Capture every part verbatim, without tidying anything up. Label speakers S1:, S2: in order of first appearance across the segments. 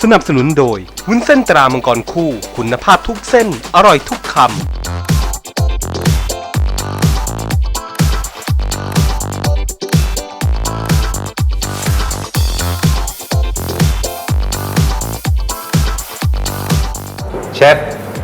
S1: สนับสนุนโดยวุ้นเส้นตรามังกรคู่คุณภาพทุกเส้นอร่อยทุกคำ
S2: เชฟ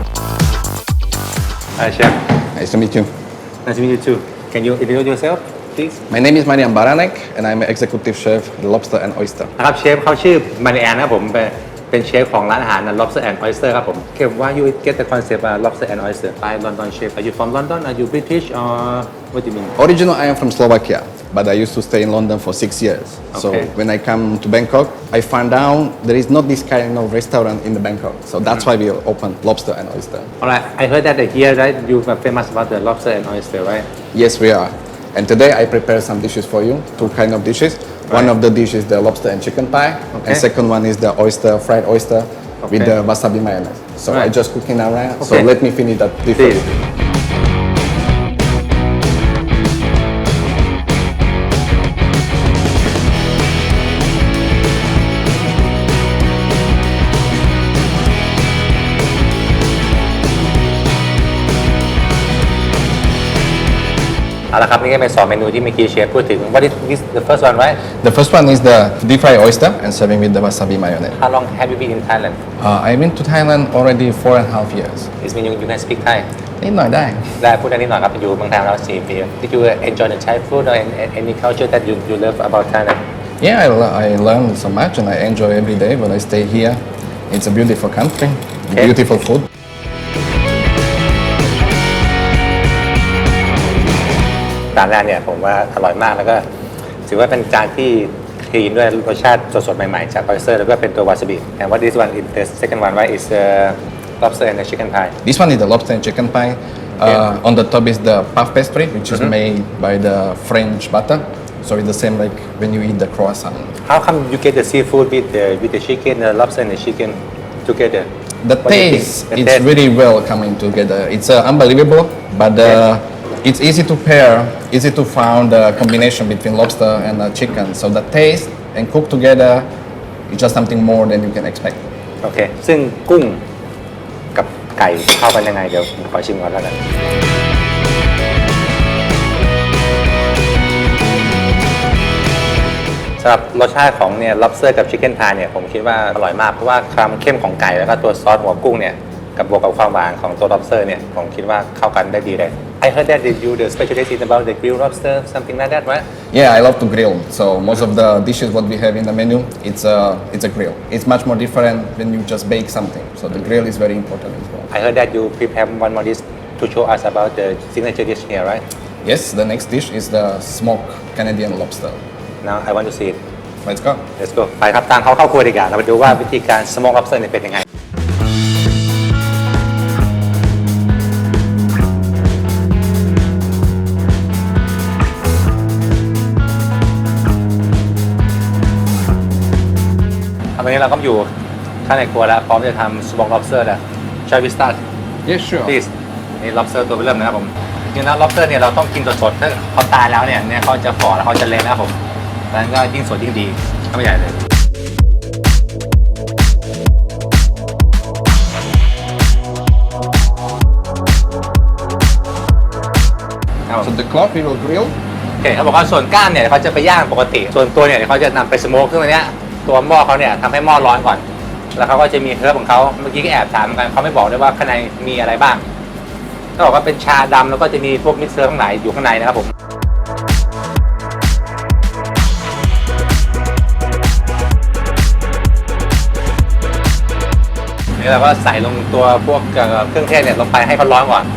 S2: Hi Chef
S3: Nice to meet you.
S2: Nice to meet you too. Can you introduce yourself please
S3: My name is Marian Baranek and I'm an executive chef at Lobster and Oyster.
S2: นะครับเชฟเขาชื่อมาริแอนนะครับผมเป็นเป็นเชฟของร้านอาหาร Lobster and Oyster ครับผม Okay why you get the concept of Lobster and Oyster by London chef Are you from London Are you British or what do you mean
S3: Originally, I am from Slovakia, but I used to stay in London for six years. So
S2: Okay.
S3: when I come to Bangkok, I found out there is not this kind of restaurant in the Bangkok. So that's why we opened Lobster and Oyster.
S2: Alright I heard that here right you are famous about the Lobster and Oyster right
S3: Yes, we are. And today I prepare some dishes for you, two kind of dishes. One
S2: Right.
S3: of the dishes is the lobster and chicken pie,
S2: Okay.
S3: and second one is the oyster, fried oyster with
S2: Okay.
S3: the wasabi mayonnaise. So I
S2: Right.
S3: just cooking now, right? So
S2: Okay.
S3: let me finish that dish for
S2: Please
S3: you.
S2: เอาละครับนี่ก็เป็นสองเมนูที่เมื่อกี้เชฟพูดถึง What is this the first one right
S3: The first one is the deep fried oyster and serving with the wasabi mayonnaise.
S2: How long have you been in Thailand
S3: Uh, I've been to Thailand already four and a half years.
S2: It means you, you can speak Thai
S3: นิดหน่อยได้
S2: ได้พูดได้นิดหน่อยครับอยู่เมืองไทยมาแล้วสี่ปี Did you enjoy the Thai food or any- any culture that you you love about Thailand
S3: Yeah, I, le- I learned so much and I enjoy every day when I stay here. It's a beautiful country,
S2: Okay.
S3: beautiful food.
S2: จานแรกเนี่ยผมว่าอร่อยมากแล้วก็ถือว่าเป็นจานที่คลีนด้วยรสชาติสดๆใหม่ๆจาก oyster แล้วก็เป็นตัววาซาบิ And what this one is the second one right is the lobster and the chicken pie
S3: This one is the lobster and chicken pie. Uh, on the top is the puff pastry, which is made by the French butter. So it's the same like when you eat the croissant.
S2: How come you get the seafood with the with the chicken the lobster and the chicken together
S3: The
S2: What do you think?
S3: taste,
S2: The
S3: it's
S2: taste.
S3: really well coming together. It's uh, unbelievable, but uh, it's easy to pair, easy to find the combination between lobster and uh, chicken. So the taste and cook together is just something more than you can expect.
S2: โอเค ซึ่งกุ้งกับไก่เข้ากันยังไงเดี๋ยวผมขอชิมก่อนแล้วกันสำหรับรสชาติของเนี่ย lobster กับ chicken pie เนี่ยผมคิดว่าอร่อยมากเพราะว่าความเข้มของไก่แล้วก็ตัวซอสหัวกุ้งเนี่ยกับบวกกับความหวานของตัว lobster เนี่ยผมคิดว่าเข้ากันได้ดีเลย I heard that you the specialty is about the grilled lobster something like that right
S3: Yeah, I love to grill. So most of the dishes what we have in the menu, it's a it's a grill. It's much more different when you just bake something. So the grill is very important as well.
S2: I heard that you prepare one more dish to show us about the signature dish here right
S3: Yes, the next dish is the smoked Canadian lobster.
S2: now I want to see it
S3: Let's go.
S2: let's go ไปครับตามเขาเข้าครัวดีกว่าเราไปดูว่าวิธีการ smoke lobster เนี่ยเป็นยังไงตอนนี้เราก็อยู่ข้างในครัวแล้วพร้อมจะทำ smoke lobster แล้ว Shall we start
S3: Yes, sure.
S2: please นี่ lobster ตัวเริ่มนะครับผมจริงๆแล้ว lobster เนี่ยเราต้องกินสดๆถ้าเขาตายแล้วเนี่ยเนี่ยเขาจะฝ่อแล้วเขาจะเละนะครับผมดังนั้นก็ยิ่งสดยิ่งดีเข้าไปใหญ่เลย
S3: So the cloth we will grill.
S2: โอเคเขาบอกว่าส่วนก้านเนี่ยเขาจะไปย่างปกติ ส่วนตัวเนี่ยเขาจะนำไปสโมกซึ่งอันเนี้ยตัวหม้อเขาเนี่ยทำให้หม้อร้อนก่อน แล้วเขาก็จะมีเฮิร์บของเขาเมื่อกี้ก็แอบถามเหมือนกันเขาไม่บอกด้วยว่าข้างในมีอะไรบ้างเขาบอกว่าเป็นชาดำแล้วก็จะมีพวกมิกเซอร์ข้างในอยู่ข้างในนะครับผมนี่เราก็ใส่ลงตัวพวกเครื่องเทศเนี่ยลงไปให้เขาร้อนก่อน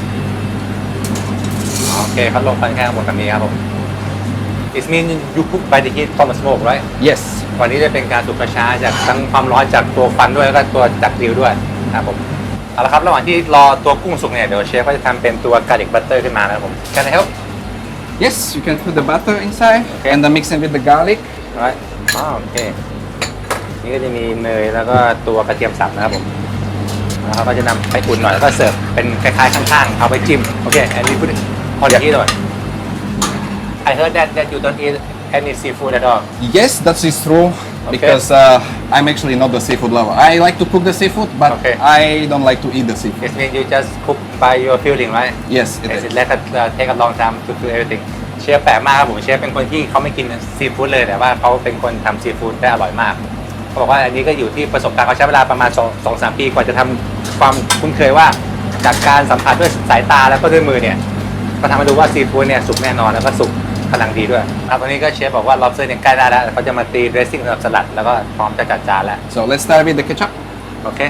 S2: โอเคเขาลงไปแค่หมดแบบนี้ครับผม It means you cook by the heat from the smoke right
S3: Yes.
S2: วันนี้จะเป็นการสุกกระช้าจากทั้งความร้อนจากตัวฟันด้วยแล้วก็ตัวจากกริลด้วยนะครับผมเอาละครับระหว่างที่รอตัวกุ้งสุกเนี่ยเดี๋ยวเชฟก็จะทำเป็นตัวกาลิกบัตเตอร์ขึ้นมานะครับผม Can I help
S3: Yes, you can put the butter inside
S2: Okay.
S3: and then mix it with the garlic.
S2: right อ๋อโอเคนี่ก็จะมีเนยแล้วก็ตัวกระเทียมสับนะครับผมแล้วเขาก็จะนำไปอุ่นหน่อยแล้วก็เสิร์ฟเป็นคล้ายๆข้างๆเอาไปจิ้มโอเค and we put it on the heat หน่อย I heard that that you don't eat any seafood at all
S3: Yes, that is true. because uh, I'm actually not the seafood lover. I like to cook the seafood, but
S2: Okay.
S3: I don't like to eat the seafood.
S2: It means you just cook by your feeling right
S3: Yes, it
S2: Yes,
S3: is.
S2: it let us uh, take a long time to do everything เชฟแปลกมากครับผมเชฟเป็นคนที่เขาไม่กินซีฟู้ดเลยแต่ว่าเขาเป็นคนทำซีฟู้ดได้อร่อยมากเขาบอกว่าอันนี้ก็อยู่ที่ประสบการณ์เขาใช้เวลาประมาณ2 2 3ปีกว่าจะทำความคุ้นเคยว่าจากการสัมผัสด้วยสายตาแล้วก็ด้วยมือเนี่ยก็ทำให้รู้ว่าซีฟู้ดเนี่ยสุกแน่นอนแล้วก็สุกกำลังดีด้วยครับตอนนี้ก็เชฟบอกว่า lobster เนี่ยใกล้ได้แล้วเขาจะมาตี dressing สำหรับสลัดแล้วก็พร้อมจะจัดจานแล้ว
S3: So let's start with the ketchup.
S2: โอเค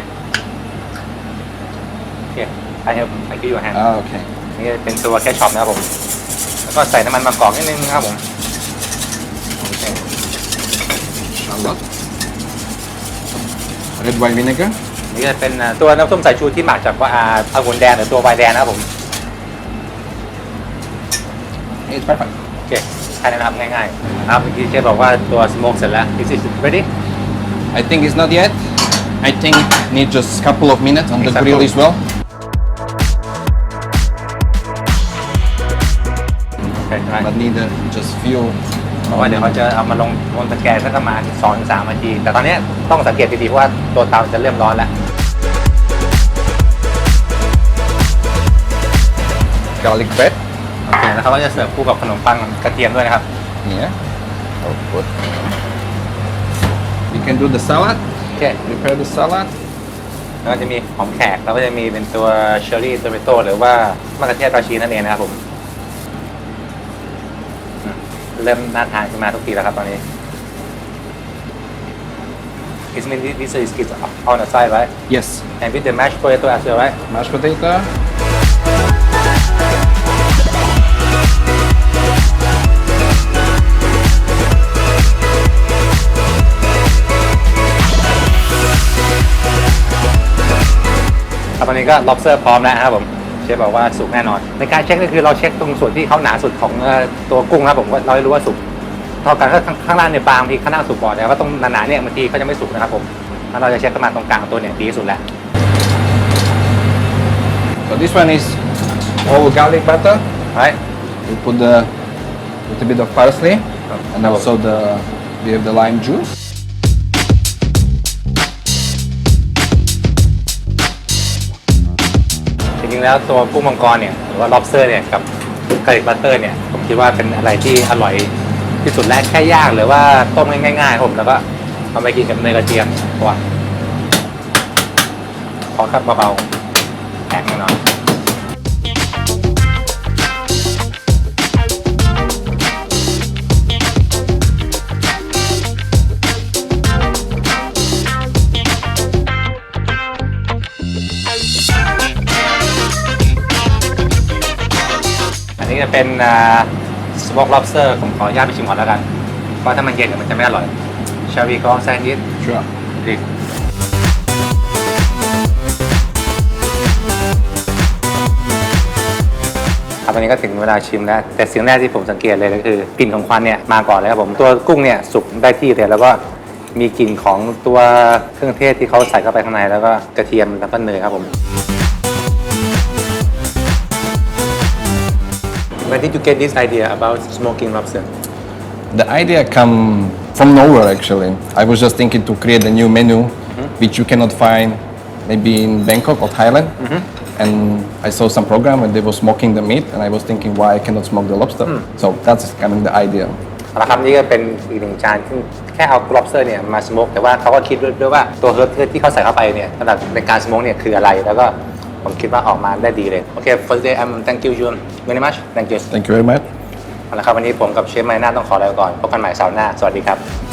S2: โอเค I have I give you a hand
S3: Ah, okay.
S2: นี่เป็นตัวแคชช็อปนะครับผมแล้วก็ใส่น้ำมันมะกอกนิดนึงนะครับผมโอเค
S3: Shallot. Red wine vinegar.
S2: นี่จะเป็นอ่าตัวน้ำส้มสายชูที่หมักจากว่าอ่าองุ่นแดงหรือตัวไวน์แดงนะครับผม
S3: It's perfect.
S2: โอเคแค่นั้นนะครับง่ายๆนะครับเมื่อกี้เชฟบอกว่าตัวสโมกเสร็จแล้ว This is ready
S3: I think it's not yet. I think need just a couple of minutes on the
S2: Exactly.
S3: grill as well.
S2: โอเคได้
S3: But need uh, just few.
S2: เพราะว่าเดี๋ยวเขาจะเอามาลงบนตะแกรงสักประมาณ สองถึงสาม นาที แต่ตอนนี้ต้องสังเกตดีๆเพราะว่าตัวเตาจะเริ่มร้อนแล้ว
S3: Garlic bread.
S2: โอเคแล้วเขาก็จะเสิร์ฟคู่กับขนมปังกระเทียมด้วยนะครับ
S3: Yeah. Oh, good. We can do the salad.
S2: โอเค
S3: Prepare the salad.
S2: แล้วก็จะมีหอมแขกแล้วก็จะมีเป็นตัวเชอร์รี่โตเมโต้หรือว่ามะเขือเทศราชีนั่นเองนะครับผมอืมเริ่มน่าทานขึ้นมาทุกทีแล้วครับตอนนี้ It's mean this is is on the side right
S3: Yes.
S2: and with the mashed potato as well right
S3: Mashed potato.
S2: ครับตอนนี้ก็ lobster พร้อมแล้วนะครับผมเชฟบอกว่าสุกแน่นอน ในการเช็คก็คือเราเช็คตรงส่วนที่เขาหนาสุดของเอ่อตัวกุ้งนะครับผมว่าเราจะรู้ว่าสุกเท่ากันถ้าข้างล่างเนี่ยบางบางทีข้างล่างสุกก่อนแต่ว่าตรงหนาๆเนี่ยบางทีเขาจะไม่สุกนะครับผมแล้วเราจะเช็คประมาณตรงกลางตัวเนี่ยดีที่สุดแล้ว
S3: So this one is all garlic butter.
S2: right
S3: We put the little bit of parsley and also the we have the lime juice.
S2: จริงๆแล้วตัวกุ้งมังกรเนี่ยหรือว่า lobster เนี่ยกับกาลิกบัตเตอร์เนี่ยผมคิดว่าเป็นอะไรที่อร่อยที่สุดแล้วแค่ย่างหรือว่าต้มง่ายๆครับผมแล้วก็เอาไปกินกับเนยกระเทียมตัวขอครับเบาๆแข็งหน่อยอันนี้จะเป็นสโมก lobster ผมขออนุญาตไปชิมก่อนแล้วกันเพราะถ้ามันเย็นเดี๋ยวมันจะไม่อร่อย Shall we go outside and eat?
S3: Sure.
S2: ดีครับวันนี้ก็ถึงเวลาชิมแล้ว แต่สิ่งแรกที่ผมสังเกตเลยก็คือกลิ่นของควันเนี่ยมาก่อนเลยครับผมตัวกุ้งเนี่ยสุกได้ที่เลยแล้วก็มีกลิ่นของตัวเครื่องเทศที่เขาใส่เข้าไปข้างในแล้วก็กระเทียมแล้วก็เนยครับผม Where did you get this idea about smoking lobster?
S3: The idea come from nowhere actually. I was just thinking to create a new menu which you cannot find maybe in Bangkok or Thailand. And I saw some program when they were smoking the meat and I was thinking why I cannot smoke the lobster. So that's kind of the idea.
S2: เอาละครับนี่ก็เป็นอีกหนึ่งจานที่แค่เอา lobster เนี่ยมาสโมกแต่ว่าเขาก็คิดด้วยว่าตัวเฮิร์บที่เขาใส่เข้าไปเนี่ยสำหรับในการสโมกเนี่ยคืออะไรแล้วก็ผมคิดว่าออกมาได้ดีเลยโอเค for today I'm thank you Jun very much thank you
S3: Thank you very much.
S2: เอาละครับวันนี้ผมกับเชฟไมน่าต้องขอลาไปก่อนพบกันใหม่เสาร์หน้าสวัสดีครับ